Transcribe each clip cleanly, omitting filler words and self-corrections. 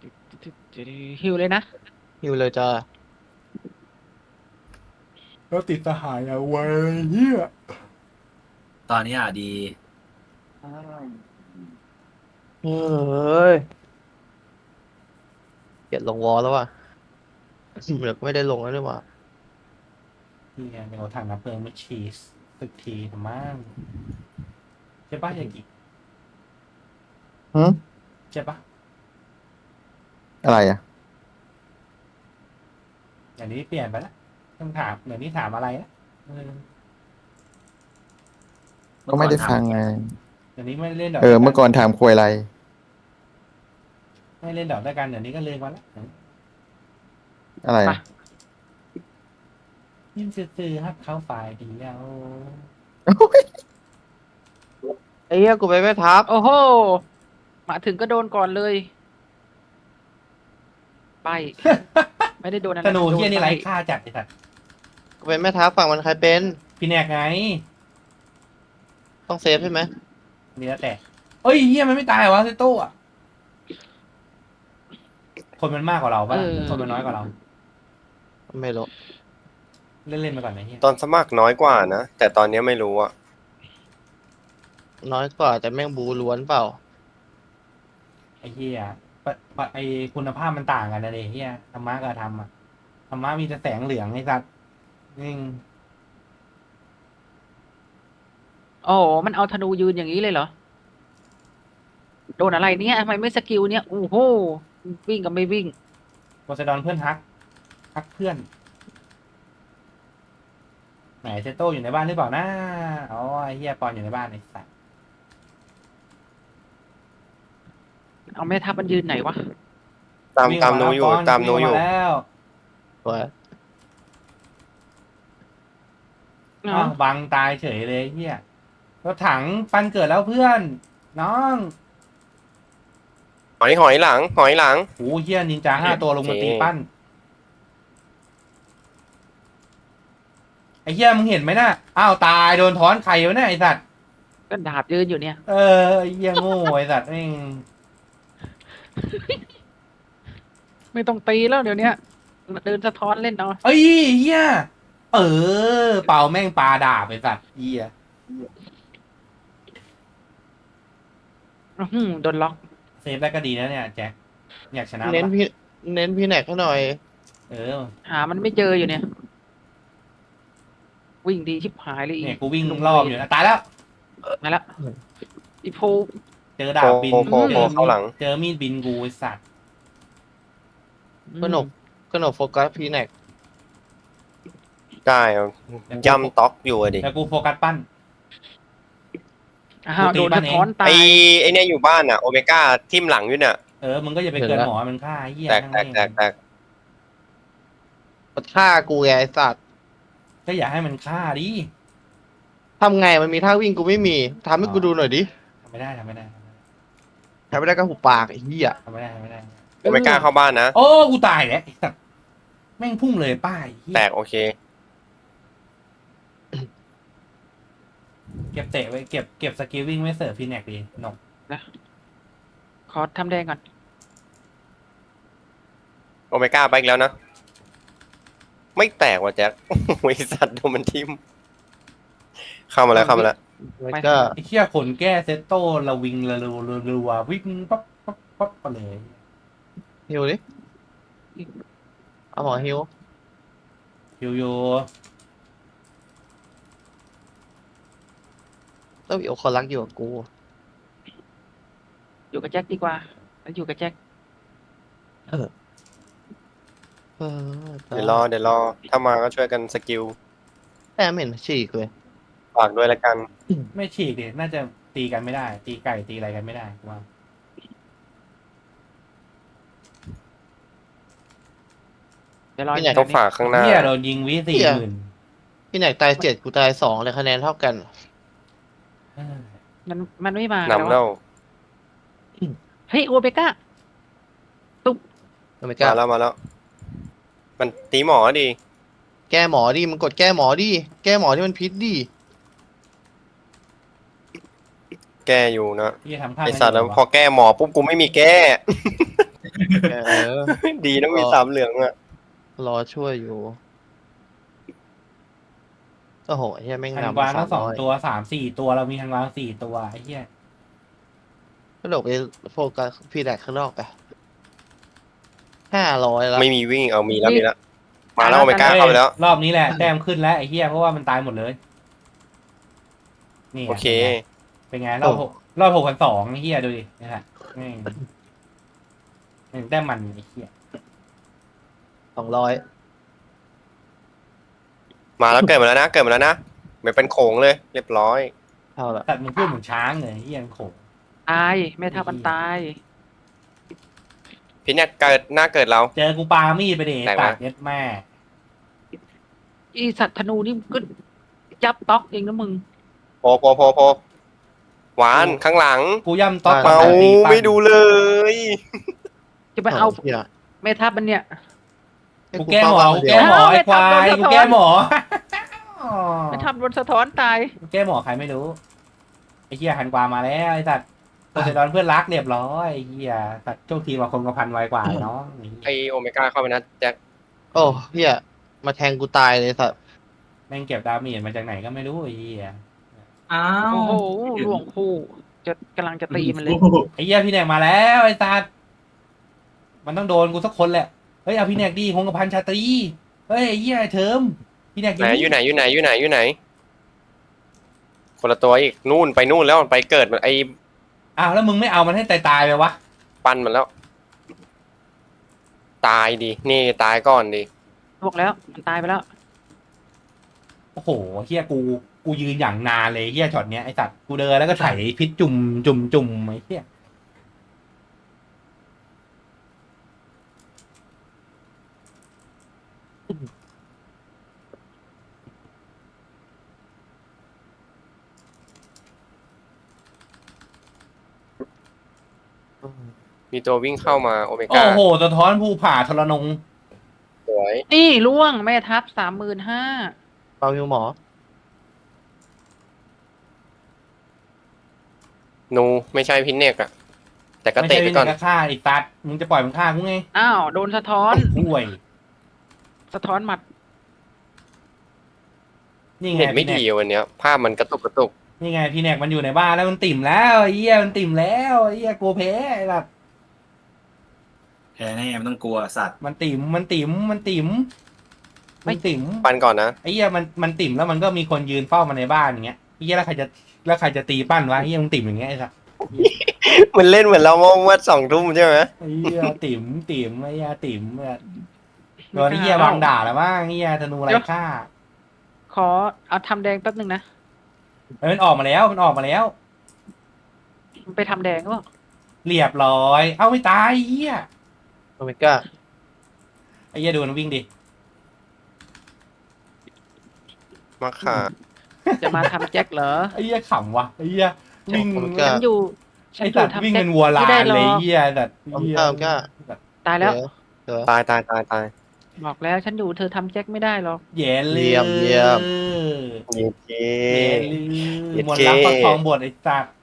ฮิวเลยนะฮิวเลยจ้าแล้วติดสหายอะเว้ยเฮียตอนนี้อ่ะดีเฮ้ยเกลียดลงวอลแล้วว่ะเหมือนไม่ได้ลงแล้วนี่หว่าเฮียเดี๋ยวถังน้ำเพลิงมาชีสตึกทีทำมั่งใช่ปะยากิหืมใช่ปะอะไรอ่ะอย่างนี้เปลี่ยนไปแล้วต้องถามเดี๋ยวนี้ถามอะไรนะก็ไม่ได้ฟังไงเดี๋ยวนี้ไม่เล่นดอกเมื่อก่อนถามคุยอะไรไม่เล่นดอกด้วยกันเดี๋ยวนี้ก็เลยมาแล้วอะไรอะยิ่งซื้อฮักเข้าฝ่ายเดียวไอ้เหี้ยกูไปไม่ทับโอ้โหมาถึงก็โดนก่อนเลยไปไม่ได้โดนอะไรธนูเฮียนี่โดไร้ปค่าจัดไอ้สัตว์กูไปไม่ทับฝั่งมันใครเป็นพี่แนกไงต้องเซฟใช่ไหมนี่แล้วแต่เอ้ยเฮียมันไม่ตายวะเซโต้อะคนมันมากกว่าเราปะคนมันน้อยกว่าเราไม่รู้เล่นไปก่อนนะเฮียตอนสมัครน้อยกว่านะ แต่ตอนนี้ไม่รู้อะน้อยกว่าแต่แม่งบูล้วนเปล่าไอ้เฮียไอคุณภาพมันต่างกันนะเดเฮียธรรมะกับธรรมอะธรรมะมีแต่แสงเหลืองไอ้สัตว์นี่โอ้โหมันเอาธนูยืนอย่างนี้เลยเหรอโดนอะไรเนี่ยทำไมไม่สกิลเนี่ยโอ้โหวิ่งกับไม่วิ่งโพไซดอนเพื่อนฮักเพื่อนไหนเซโต้อยู่ในบ้านหรือเปล่านะอ๋อไอ้เฮียปอนอยู่ในบ้านไอ้สัตว์เอาแม่ทัพมันยืนไหนวะตามหนูอยู่ตามหนูอยู่วิ่งมาแล้วตัวอ้าวบังตายเฉยเลยเฮียรถถังปันเกิดแล้วเพื่อน น้องหอยหลังโอ้เฮียนินจา5 ตัวลงมาตีปั้นไอ้เฮียมึงเห็นไหมน่ะอ้าวตายโดนถอนไข่วะเนี่ยไอ้สัตว์ก็ดาบยืนอยู่เนี่ยเออไอ้เฮียโง่ไอ้สัตว์แม่งไม่ต้องตีแล้วเดี๋ยวนี้เดินสะท้อนเล่นเอาเอ้ยเฮียเป่าแม่งปลาดาบไอ้สัตว์เฮียโดนล็อกเซฟได้ก็ดีนะเนี่ยแจ็คอยากชนะเน้นปะพี่แหนกให้หน่อยเออหามันไม่เจออยู่เนี่ย วิ่งดีชิบหายเลยอีเนี่ยกูวิ่งรอบอยู่นะตายแล้วมาแล้วอีโพเจอดาบบินโผล่เข้าหลังเจอมีดบินกูไอ้สัตว์กนกโฟกัสพี่แหนกได้เอาย่ำต็อกอยู่อะดิแต่กูโฟกัสปั้นอ้าวโดนสะท้อนตาไอ้ยไอ้เนี่ยอยู่บ้านอะโอเมก้าทิ่มหลังอยู่เนี่ยมึงก็อย่าไปเกินหมอมันฆ่าไอ้เหี้ยแตกนั่งแตกเล่นแตกมันฆ่ากูไงไอ้สัตว์ก็อย่าให้มันฆ่าดิทำไงมันมีท่าวิ่งกูไม่มีทำให้กูดูหน่อยดิทำไม่ได้ทำไม่ได้ก็หุบปากไอ้เหี้ยทำไม่ได้โอเมก้าเข้าบ้านนะโอ้กูตายแล้วไอ้สัตว์แม่งพุ่งเลยป้ายเหี้ยแตกโอเคเก็บเตะไว้เก็บสกิลวิ่งไว้เสิร์ฟพีแน็กดีนกขอทำแดงก่อนโอเมก้าไปอีกแล้วนะ ไม่แตกว่ะแจ็ค โอ้ยสัตว์โดนมันทิ่มเข้ามาแล้วแล้วก็ไอ้เหี้ยขนแก้เซตโต้ระวิงระรัววิ่งปั๊บไปเลยฮิวดิเอาหมอฮิวโยแล้วอีโอคนรักอยู่กับกูอยู่กับแจ็คดีกว่าแล้วอยู่กับแจ็คเออเดี๋ยวรอ ถ้ามาก็ช่วยกันสกิลแต่ไม่เห็นฉีกเลยฝากด้วยละกันไม่ฉีกดิน่าจะตีกันไม่ได้ ตีไก่ตีอะไรกันไม่ได้ว่าเดี๋ยวรอพี่ไหนต้องฝากข้างหน้าเหี้ยโดนยิงวิ40,000 พี่แหนกตาย7กูตาย2เลยคะแนนเท่ากันมันไม่มาแล้วนำแล้วเฮ้ยโอเปก้าไม่กล้ามาแล้ว มันตีหมอดีแก้หมอดิมันกดแก้หมอดิแก้หมอที่มันพิษดิแก้อยู่นะที่ทำท่าไอสัตว์แล้วพอแก้หมอปุ๊บกูไม่มีแก้แก้เออดีนะมีรอสามเหลืองอะรอช่วยอยู่โอ้โหเฮียแม่งฮันนำกวางมาทั้งสอง 300 ตัว3-4ตัวเรามีฮันกวาง4 ตัวไอ้เหี้ยก็โดดไปโฟกัสพี่แดกข้างนอกไป500แล้วไม่มีวิ่งเอามีแล้วนี่มีแล้วมาแล้วโอเมก้าเฮ้ยเข้าไปแล้วรอบนี้แหละแต้มขึ้นแล้วไอ้เหี้ยเพราะว่ามันตายหมดเลย นี่ไงโอเคเป็นไงรอบ6,200ไอ้เหี้ยดูดินี่แหละแม่งแต้มมันไอ้เหี้ย 200 มาแล้วเกิดมาแล้วนะเกิดมาแล้วนะเหมือนเป็นโขงเลย เรียบร้อยเท่าละแต่มึงพูดเหมือนช้างเลยไอ้เหี้ยมันโขงตายแม่ทัพมันตายพี่เนี่ยเกิดหน้าเกิดเราเจอกูปามีดไปเดไหนวะตัดเย็ดแม่อีสัตว์ธนูนี่ก็จับต๊อกเองนะมึงโพหวานข้างหลังกูย่ำต๊อกเมาตั้งแต่ตีปั้นไม่ดูเลยจะไปเอาเหี้ยแม่ทัพมันเนี่ยกูแก้หมอเป้ากูเดียแก้วหมอไอ้ควายเอาไปทำโดนสะท้อนกูแก้หมอแม่ทัพโดนสะท้อนตายกูแก้หมอใครไม่รู้ไอ้เหี้ยหันกวามาแล้วไอ้สัตว์โพไซดอนเพื่อนรักเรียบร้อยไอ้เหี้ยสัตว์โชคดีกว่าคนกระพันไวกว่าไอ้น้องไอโอเมก้าเข้าไปนะแจ็คโอ้เฮียมาแทงกูตายเลยสัตว์แม่งเก็บดาเมจมาจากไหนก็ไม่รู้ไอ้เหี้ยอ้าวโอ้โหหลวงคู่จะกำลังจะตีมันเลยไอ้เหี้ยพี่แนกมาแล้วไอ้สัตว์มันต้องโดนกูสักคนแหละเฮ้ยเอาพี่แนกดีคงกระพันชาตรีเฮ้ยไอ้เหี้ยเทิมพี่แนกไหนอยู่ไหนคนละตัวอีกนู่นไปนู่นแล้วมันไปเกิดมันไออ้าวแล้วมึงไม่เอามันให้ตายไปวะปั้นมันแล้ว ตายดินี่ตายก่อนดิบอกแล้วมันตายไปแล้วโอ้โหเฮียกูยืนอย่างนานเลยเฮียช็อตเนี้ยไอสัตว์กูเดินแล้วก็ไถพิษจุ่มไอ้เฮียมีตัววิ่งเข้ามาโอเมโอ้ก้าโหสะท้อนภูผาทรนงสวยนี่ล่วงแม่ทัพ35,000 เปาฮิวหมอนูไม่ใช่พินเนกอะแต่ก็ไม่เตะใช่ไปวิก่อนนก็ฆ่าไอ้สัตว์มึงจะปล่อยมันฆ่ากูไงอ้าวโดนสะท้อนห่วยสะท้อนหมัดนี่ไงเน็ตไม่พี่แนดีกวันเนี้ย ภาพมันกระตุกนี่ไงพี่แนกมันอยู่ในบ้านแล้วมันติ่มแล้วไอ้เฮียมันติ่มแล้วไอ้เฮียกลัวแพ้ไอ้สัตว์แพ้แน่ไม่ต้องกลัวสัตว์มันติ่มปั้นก่อนนะไอ้เหี้ยมันติ่มแล้วมันก็มีคนยืนเฝ้ามันในบ้านอย่างเงี้ยไอ้เหี้ยแล้วใครจะตีปั้นวะไอ้เหี้ยมึงติ่มอย่างเงี้ยไอ้สัสมันเล่นเหมือนเราเมื่อ2 ทุ่มใช่ไหมไอ้เหี้ยติ่มไอ้เหี้ยติ่มอะโดนไอ้เหี้ยวางด่าแล้วมั้งไอ้เหี้ยธนูไรฆ่าขอเอาทำแดงแป๊บนึงนะเอ้ยมันออกมาแล้วมันไปทำแดงก็เรียบร้อย เอ้าไม่ตายไอ้เหี้ยโอเมก้าไอ้เหี้ยดูมันวิ่งดิมาค่ะจะมาทำแจ็คเหรอไอ้เหี้ยขำวะไอ้เหี้ยวิ่งโอเมก้าฉันอยู่ไอ้สัตว์วิ่งเป็นวัวลาไม่ได้นหรเลยอไอ้กเหี้ยสัตว์โอเมเหี้ยก้าโอเมก้าตายแล้วเดี๋ยวตายบอกแล้วฉันอยู่เธอทำแจ็คไม่ได้หรอกเย็นเลยเยี่ยมเย็ดเกเย็นเลยเย็ดมนเก้ต์รักประคองบทไอ้สัตว์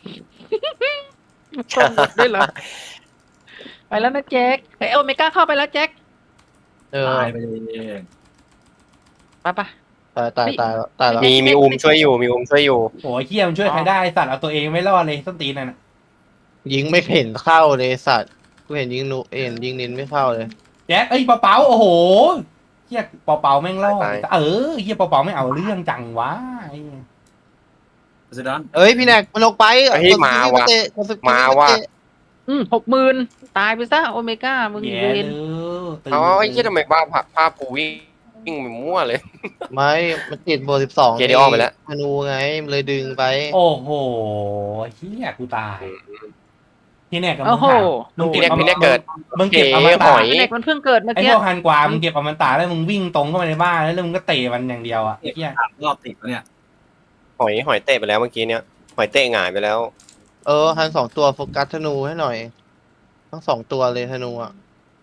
ตรงหมดด้วยเหรอ ไปแล้วนะแจ็คเฮ้ยโอเมก้าเข้าไปแล้วแจ็คเออตายไปเลยไปปะตายแล้วมีอุ้มช่วยอยู่มีอุ้มช่วยอยู่โอ้ยเหี้ยมันช่วยใครได้ไอ้สัตว์เอาตัวเองไม่รอดเลยส้นตีนนั่นน่ะยิงไม่เห็นเข้าเลยสัตว์กูเห็นยิงนูเห็นยิงนินไม่เข้าเลยแจ็คเอ้ยเปาๆโอ้โหเฮียเปาๆแม่งรอดตายเฮียเปาๆไม่เอาเรื่องจังวะไอ้สุดอนเอ้ยพี่แนกมันออกไปเฮ้ยมาว่ะมาว่ะ 60,000ตายไปซะโอเมก้ามึงแย่เวเลนยตื่นเอาไอ้เหี้ยทำไมภาพกูวิ่งไปมั่วเลยไม่มันติดโบ12 เกเดออนไปแล้วธนูไงมันเลยดึงไปโอ้โหเฮียกูตายพี่แนกกับมึโอ้งโหหามึงเก็บพี่แนกเกิดมึงเก็บเก๋อมตะหอยเด็กมันเพิ่งเกิดเมื่อไอ้กี้พวกฮันกวามึงเก็บอมตะแล้วมึงวิ่งตรงเข้ามาในบ้านแล้วมึงก็เตะมันอย่างเดียวอ่ะไอ้เฮียรอบติดแล้วเนี่ยหอยเตะไปแล้วเมื่อกี้เนี้ยหอยเตะหงายไปแล้วหัน2 ตัวโฟกัสธนูให้หน่อยทั้ง2 ตัวเลยธนูอ่ะ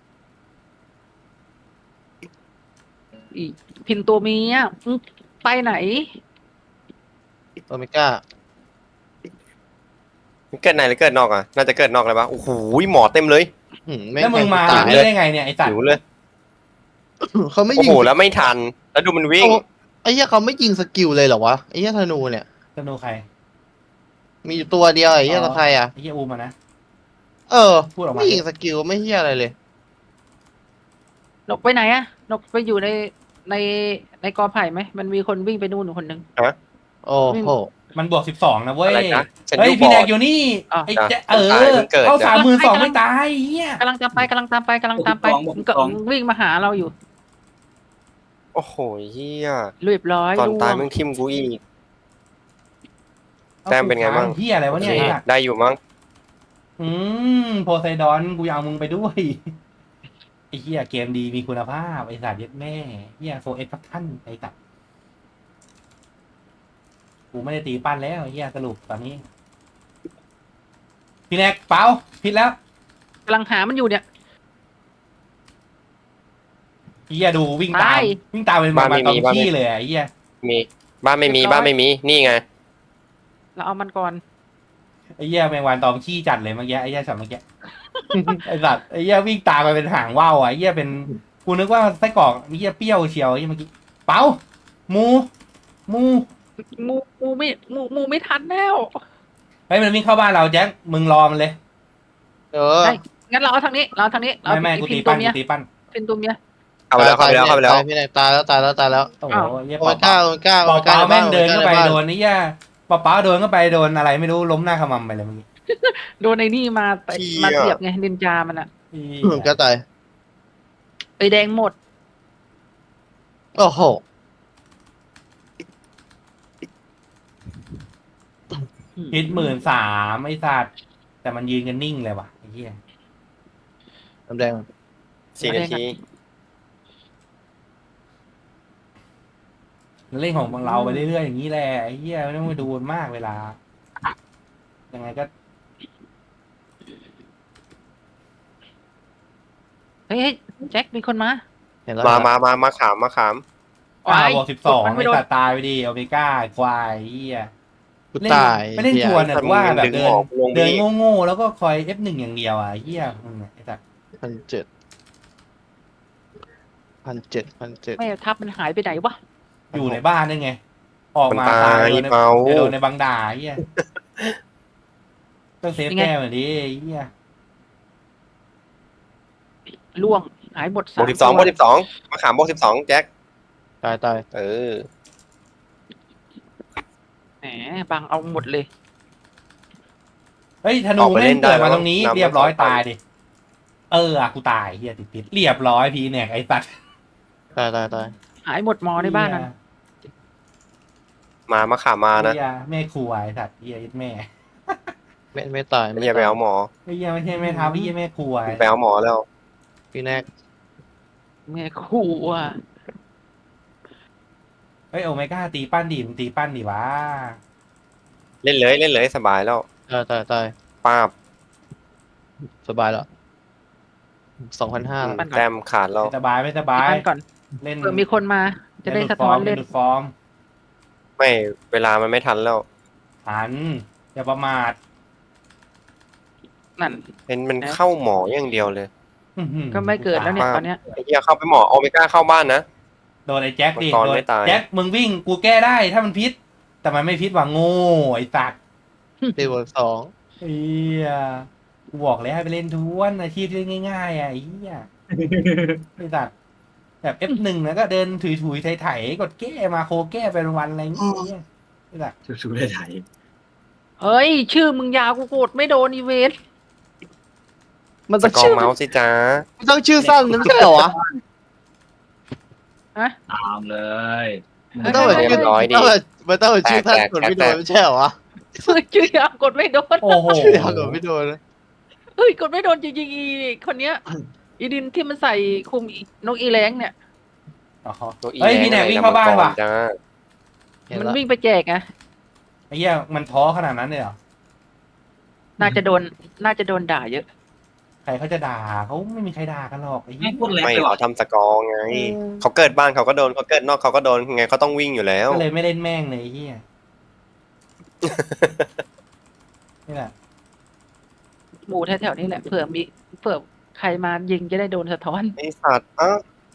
อีพินตัวเมียมึงไปไหนโอเมก้าเกิดในหรือเกิดนอกอ่ะน่าจะเกิดนอกเลยปะโอ้โหหมอเต็มเลยแล้วมึงมาตายนี่เลยได้ไงเนี่ยไอ้สัตหิว์วเลยเขาไม่โอ้ยิงโหแล้วไม่ทันแล้วดูมันวิ่งไอ้เหี้ยเขาไม่ยิงสกิลเลยเหรอวะไอ้เหี้ยธนูเนี่ยธนูใครมีอยู่ตัวเดียวไอ้เหี้ยตะใครอ่ะไอ้เหี้ยอูมานะเออพูดออกมาไม่ยิงสกิลไม่เหี้ยอะไรเลยนกไปไหนอะนกไปอยู่ในในกอไผ่ไหมมันมีคนวิ่งไปนู่นคนหนึ่งโอ้โหมันบวก12นะเว้ยอะไรนะฉันเฮ้ยดูบพี่อแดดกอยู่นี่อ้าวไอ้แจ๊ะตายเพิ่งเกิดเข้าจ้ะ 32,000ไม่ตายไอ้เหี้ยกำลังตามไปกำลังตามไปกำลังตามไปมันก็วิ่งมาหาเราอยู่โอ้โหเฮียเรียบร้อยตอนล่วตายงมึงทิมกูอีก แต้มเป็นไงบ้างเหี้ยอะไรวะเนี่ยไอ้สัตว์ได้อยู่มั้งโพไซดอนกูจะเอามึงไปด้วยไอ้เหี้ยเกมดีมีคุณภาพไอ้สัตว์เย็ดแม่เหี้ยโฟเอ็กซ์พักท่านไอ้สัตว์กูไม่ได้ตีปั้นแล้วไอ้เหี้ยสรุปตอนนี้ พี่แนกเปล่าผิดแล้วกำลังหามันอยู่เนี่ยไอ้เหี้ยดูวิ่งตามไปวิ่งตามเป็นมาตอมขี้เลยอะไอ้เหี้ยมีบ้านไม่มีบ้านไม่มีนี่ไงเราเอามันก่อนไอ้เหี้ยแมงวันตอมขี้จัดเลยเมื่อกี้ไอ้เหี้ยช็อตเมื่อกี้ ไอ้สัตว์ไอ้เหี้ยวิ่งตามไปเป็นหางว่าวอ่ะไอ้เหี้ยเป็นกูนึกว่าไส้กรอกไอ้เหี้ยเปรี้ยวเชียวไอ้เหี้ยเมื่อกี้เปล่าหมูมูไม่ทันแล้วเฮ้ยมันวิ่งเข้าบ้านเราแจ็คมึงรอมันเลยเออได้ งั้นเราเอาทางนี้เราเอาทางนี้เราไม่กูพิตีนตัปั้วน เมียกูตีปั้นพินตัวเมียเข้าไปแล้วเข้าไปแล้วเข้าไปแล้วพี่นายตายแล้วตายแล้วตายแล้วโอ้โหอ้าวเหี้ยโอเปเมก้าล่าโอเมก้าเปล่าเปล่าแม่งเดินเข้าไปโอโดนไอ้เหี้ยเปล่าเปล่าโดนเข้าไปโดนอะไรไม่รู้ล้มหน้าขมำไปเลยเมื่อกี้โดนในนี่มาเชี่ยมาเสียบไงนินจามันอะโอเมก้าตายไปแดงหมดโอ้โหพิษ13,000ไอ้สัตว์แต่มันยืนกันนิ่งเลยว่ะไอ้เหี้ยน้ำแดง 4 นาทีเล่นของเราไปเรื่อยๆอย่างนี้แหละไอ้เหี้ยไม่ต้องไปดูมันมากเวลายังไงก็เฮ้ยแจ็คมีคนมาเห็นแล้วมาขามมาขามบวก12 มันไอ้ไม่โดนสัตว์ตายไปดิโอเมก้าควายไอ้เหี้ยกูเล่นตายไม่เล่นชวนอ่ะทำว่าเงินแบบดึงเดิหนมอกลงเดินพี่โง่ๆแล้วก็คอย F1 อย่างเดียวอ่ะไอ้เหี้ยมึงอะไอ้สัตว์ 1,700 ไม่ทับมันหายไปไหนวะอยู่ในบ้านได้ไง ออกมามันตายโดนในเมาโดนในบังด่าไอ้เหี้ยต้องเซฟแก้วหน่อยดิไอ้เหี้ยล่วงหายหมดบวก 3 12บวก12มาขามบวก12แจ็คตายตายเออแหมบางเอาหมดเลยเฮ้ยธนูแม่งเกิดมาตรงนี้เรียบร้อยตายดิกูตายเหี้ยติดพิษเรียบร้อยพีแนกไอ้สัตว์ตายตายตายหายหมดมอในบ้านนั้นมาขามมานะเหี้ยแม่ครัวไอ้สัตว์เหี้ยยึดแม่ไม่ตายไม่ใช่ไปเอาหมอไอ้เหี้ยไม่ใช่แม่ทัพไอ้เหี้ยแม่ครัวไปเอาหมอแล้วพี่แนกแม่ขู่อ่ะเฮ้ยโอเมก้าตีปั้นดิมึงตีปั้นดิวะเล่นเลยสบายแล้วตายป้าบสบายแล้ว2,500 ปั้นก่อนแต้มขาดแล้วไม่สบายไม่สบายปั้นก่อนเล่นเผื่อมีคนมาจะได้สะท้อนเล่นดูดฟอร์มไม่เวลามันไม่ทันแล้วหันอย่าประมาทนั่นเป็นมันเข้าหมออย่างเดียวเลยอื้อหือก็ไม่เกิดแล้วเนี่ยป้าตอนเนี้ยไอ้เหี้ยเข้าไปหมอโอเมก้าเข้าบ้านนะโดนไอ้แจ็คดิมังกรโดนไม่ตายแจ็คมึงวิ่งกูแก้ได้ถ้ามันพิษ แต่มันไม่พิษว่ะโง่ไอ้สัตว์ตีบวก2 เฮียกูบอกแล้วให้ไปเล่นทวนอาชีพที่เล่นง่ายๆอ่ะไอ้เหี้ยไอ้สัตว์แบบ F1 นะก็เดินถุยๆไถๆกดแก้มาโคแก้ไปวันๆอะไรอย่างเงี้ยไอ้สัตว์ชูได้ไถเฮ้ย ชื่อมึงยาวกูกดไม่โดนอีเวนต์มันสต้องกอชื่ร์อเมาส์สิจ้ามันต้องชื่อสั้นไม่ใช่เหรอวะตามเลยมันต้องแบบชื่อเรียบร้อยดิมันต้องแบบชื่อสั้นกดไม่โดนไม่ใช่เหรอวะชื่อยาวกดไม่โดนโอ้โหชื่อยาวกดไม่โดนนะเฮ้ยกดไม่โดนจริงๆอีคนเนี้ยอีดินที่มันใส่คุมนกอีแรงเนี่ยอ๋อเฮ้ยพี่แหนกวิ่งเข้าบ้านว่ะจ้าเห็นมันละวิ่งไปแจกไงไอ้เหี้ยมันท้อขนาดนั้นเลยเหรอน่าจะโดนด่าเยอะใครเขาจะด่าเขาไม่มีใครด่ากันหรอกไอ้เหี้ไม่ยพูดแรงไม่ไปหรอเขาทำสกอร์ไง เขาเกิดบ้านเขาก็โดนเขาเกิดนอกเขาก็โดนไงเขาต้องวิ่งอยู่แล้วก็เลยไม่เล่นแม่งเลยไอ้เหี้ยนี่แหละแถวๆนี้แหละเผื่อใครมายิงจะได้โดนสะท้อนไอสัตว์อ่ะ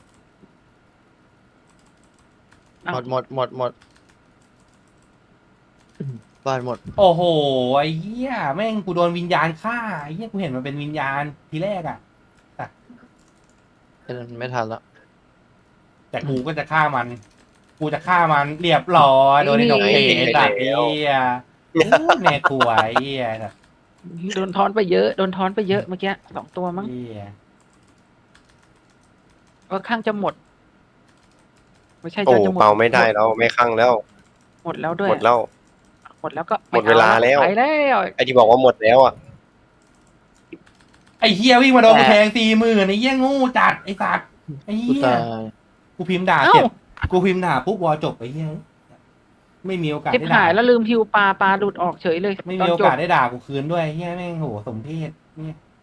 เอ้าหมดบ้านหมดโอ้โหไอ้เหี้ยแม่งกูโดนวิญญาณฆ่าไอ้เหี้ยกูเห็นมันเป็นวิญญาณทีแรกอ่ะไม่ทันแล้วแต่กูก็จะฆ่ามัน กูจะฆ่ามันเรียบร้อยโดนไอ้ดอกเตไอ้สัตว์ไอ้เหี้ยแม่กลัวไอ้เหี้ยสัตว์โดนท้อนไปเยอะเมื่อกี้2 ตัวมั้งเหี้ยก็ข้างจะหมด ไม่ใช่โอ้จะหมดเป่าไม่ได้แล้วไม่คั่งแล้วหมดแล้วด้วยหมดแล้วหมดแล้วก็หมดเวลาแล้วไปแล้วไอที่บอกว่าหมดแล้วอ่ะไอ้เหี้ยวิ่งมาโดนกูแทง40,000ไอ้เหี้ยงูจัดไอ้สัตว์ไอ้กูเหี้ยตายกูพิมพ์ด่าเสร็จกูพิมพ์ด่าปุ๊บวอลจบไอ้เหี้ยไม่มีโอกาสทิบได้หาด่ายแล้วลืมฮิวปลาหลุดออกเฉยเลยไม่ตอมีนโอจกาบสได้ด่ากูคืนด้วยไอ้เหี้ยแม่งโหสมเพศเนี่ย